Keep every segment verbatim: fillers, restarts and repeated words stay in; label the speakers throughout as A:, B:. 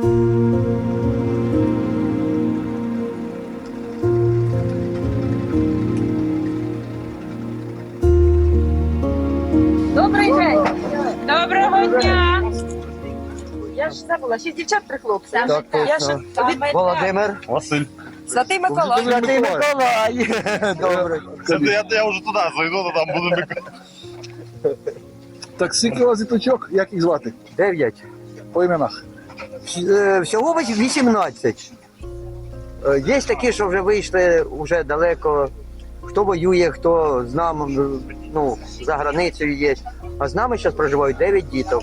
A: Добрий день! Доброго дня! Я ж забула, шість дівчат, три хлопці.
B: Так,
A: Я ж від
B: Володимир.
C: Василь.
A: Святий Миколай.
B: Святий Миколай. Добре.
C: Це я, я вже туди зайду, то там буду Миколай.
D: Так, скільки у вас діточок, як їх звати?
B: Дев'ять.
D: По іменах.
B: Е, Всього вісімнадцять. Е, Є такі, що вже вийшли вже далеко. Хто воює, хто з нами, ну, за границею є. А з нами зараз проживають дев'ять діток.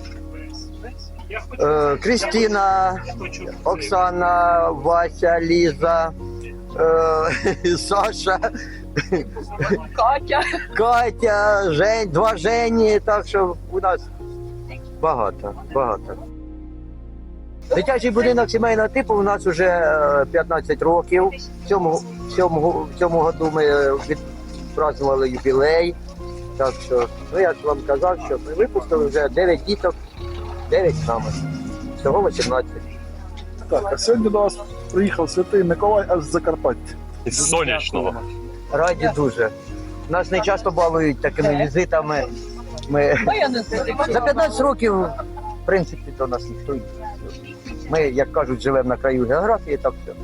B: Е, Крістіна, Оксана, Вася, Ліза, е, Саша,
A: Катя.
B: Катя, Жень, два Жені, так що у нас багато, багато. Дитячий будинок сімейного типу у нас вже е, п'ятнадцять років. В цьому, в цьому, в цьому году ми відпразнували юбілей. Так що, ну я ж вам казав, що ми випустили вже дев'ять діток, дев'ять з нами. Всього вісімнадцять.
D: Так, а сьогодні до вас приїхав Святий Миколай аж з Закарпаття.
C: Із сонячного.
B: Раді дуже. Нас не часто балують такими візитами. Ми... За п'ятнадцять років, в принципі, до нас ніхто не. Ми, як кажуть, живемо на краю географії, так все.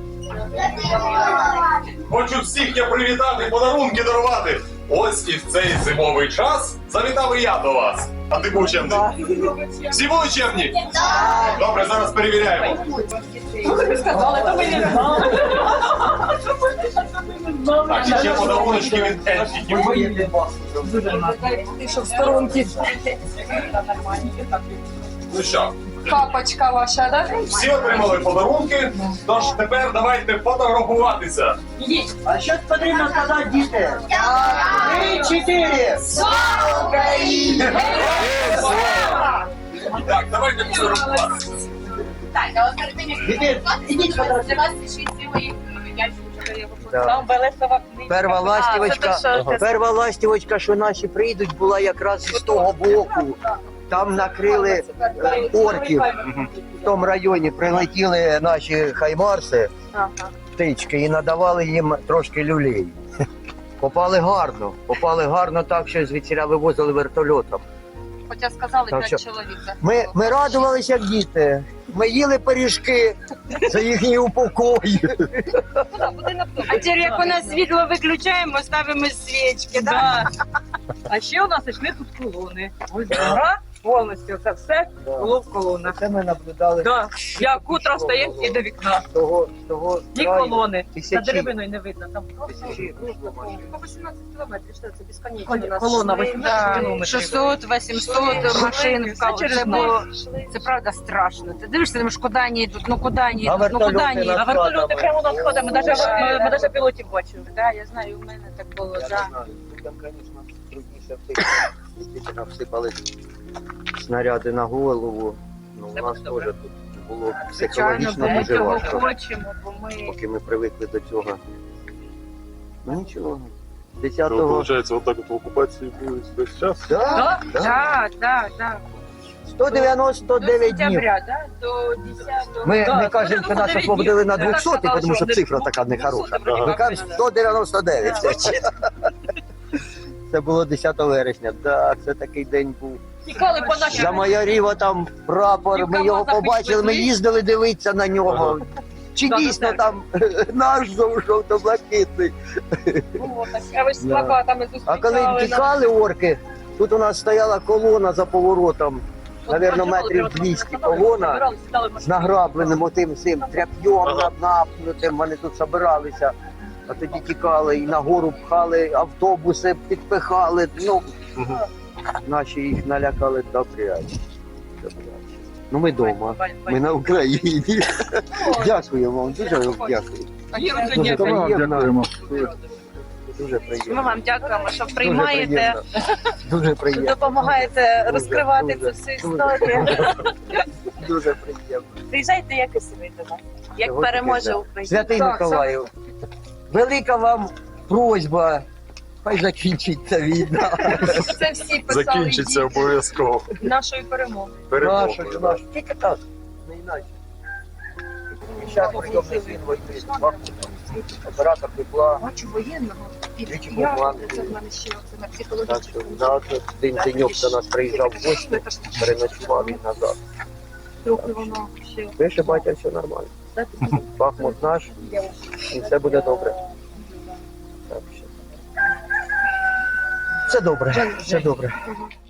C: Хочу всіх я привітати, подарунки дарувати. Ось і в цей зимовий час завітав і я до вас. А ти був чемний? Всі були чемні? Добре, зараз перевіряємо.
A: Сказали, то ми не знали.
C: Так, і ще подаруночки від Ельфіків.
A: Ти що в сторонці?
C: Ну що,
A: Капочка ваша, так?
C: всі отримали подарунки, тож тепер давайте фотографуватися.
A: Ідіть.
B: А що потрібно сказати, діти? Три, чотири! Слава Україні!
C: Так, давайте фотографуватися.
E: Так, але перед тим, як
B: Ідіть, ідіть,
E: для вас ще цілий ящик.
A: Там Белесова книга.
B: Перша ластівочка,
A: А, це те, що-
B: перша ластівочка, що наші прийдуть, була якраз з того боку. Там накрили е, орків. В тому районі прилетіли наші хаймарси,
A: Ага.
B: птички, і надавали їм трошки люлей. Попали гарно, попали гарно так, що звідсіля вивозили вертольотом.
A: Хоча сказали
B: Так
A: п'ять
B: що-
A: чоловік. да.
B: Ми, ми радувалися, як діти. Ми їли пиріжки за їхній упокой.
F: А тепер, як у нас світло виключаємо, ставимо свічки, да?
A: Да. А ще у нас йшли тут колони. Ось гора, повністю це все було в колонах.
B: Це ми наблюдали
A: Да. Як утро стає і до вікна.
B: з того, з того
A: Ні
B: краю.
A: колони.
B: Тисячі.
A: За деревиною не видно. Там
B: Тисячі.
F: По вісімнадцять кілометрів, що це безконечно. у нас
A: колона
F: йшли.
A: вісімнадцять
F: Да.
A: кілометрів.
F: шістсот, вісімсот машин в каву.
A: через
F: Це
A: ніч.
F: було, це правда страшно. Ти дивишся, думаєш, куди вони йдуть, ну куди вони
B: А
F: йдуть, ну куди
B: вертольоти
F: вони
B: на-
F: йдуть.
A: А вертольоти прямо над сходами, ми навіть, ми, ми навіть пілотів бачили.
F: Да, я знаю, у мене так було,
B: Я
F: да.
B: не знаю, там, звісно, трудніше втекти. Тільки нам всипали снаряди на голову. Ну, у нас теж тут було
F: Звичайно,
B: психологічно
F: бо ми
B: дуже
F: цього
B: важко,
F: хочемо, бо ми...
B: поки ми привикли до цього. Ну нічого.
C: Ну,
B: десятого.
C: виходить, отак от в окупації були весь час.
B: Да,
A: Да?
B: да.
F: Так, так, так.
B: сто дев'яносто дев'ять
F: До
B: днів.
F: сентября, да? До десятого.
B: Ми,
A: Да,
B: ми кажемо, що нас освободили на
A: Так
B: двісті,
A: сказали,
B: тому що
A: що
B: цифра
A: вони-
B: така нехороша.
A: двісті вроді
B: Ми
A: як,
B: кажемо
A: да.
B: сто дев'яносто дев'ять. Це було десятого вересня. Так, це такий день був.
A: Тікали по нашій.
B: За майоріва там прапор, ми його побачили, ми їздили дивитися на нього. Чи
A: Да,
B: дійсно
A: да,
B: там наш жовто-блакитний?
A: Було таке. А ви ж з плакатами
B: А
A: зустрічали.
B: коли тікали орки, тут у нас стояла колона за поворотом, навірно, метрів двісті колона з награбленим отим цим тряп'йом напнутим, вони тут збиралися, а тоді тікали і нагору пхали, автобуси підпихали, ну, наші їх налякали добряче. Добряче. Ну ми вдома, ми на Україні. Дякую вам, дуже вам дякую.
A: А є вже
B: Дуже
D: То ми вам
B: приємно.
D: дякуємо.
B: Дуже
F: Ми
B: приємно.
F: вам дякуємо, що
B: Дуже
F: приймаєте,
B: приємно. Дуже приємно.
F: допомагаєте
B: Дуже,
F: розкривати
B: дуже,
F: цю всю
B: дуже.
F: історію.
B: Дуже приємно.
F: Приїжджайте, як і собі до нас. Як
B: Цього
F: переможе
B: таки, да.
F: Україна.
B: Святий
A: Так,
B: Миколаїв, велика вам просьба, хай закінчиться війна.
A: Це всі писали
C: Закінчиться обов'язково.
A: нашої перемоги.
C: Перемога.
B: Наша, наша. Тільки так, не інакше. зараз прийомний син воює. Оператор тепла.
A: Бачу воєнного.
B: Двічі
A: Я,
B: був
A: це в мене ще оце на
B: Так
A: психологічну.
B: що на один деньок до нас приїжджав в гості, переночував він назад.
A: Трохи воно ще.
B: Пише батя, все нормально. Бахмут наш, і все буде добре. Так що. Все добре, все добре.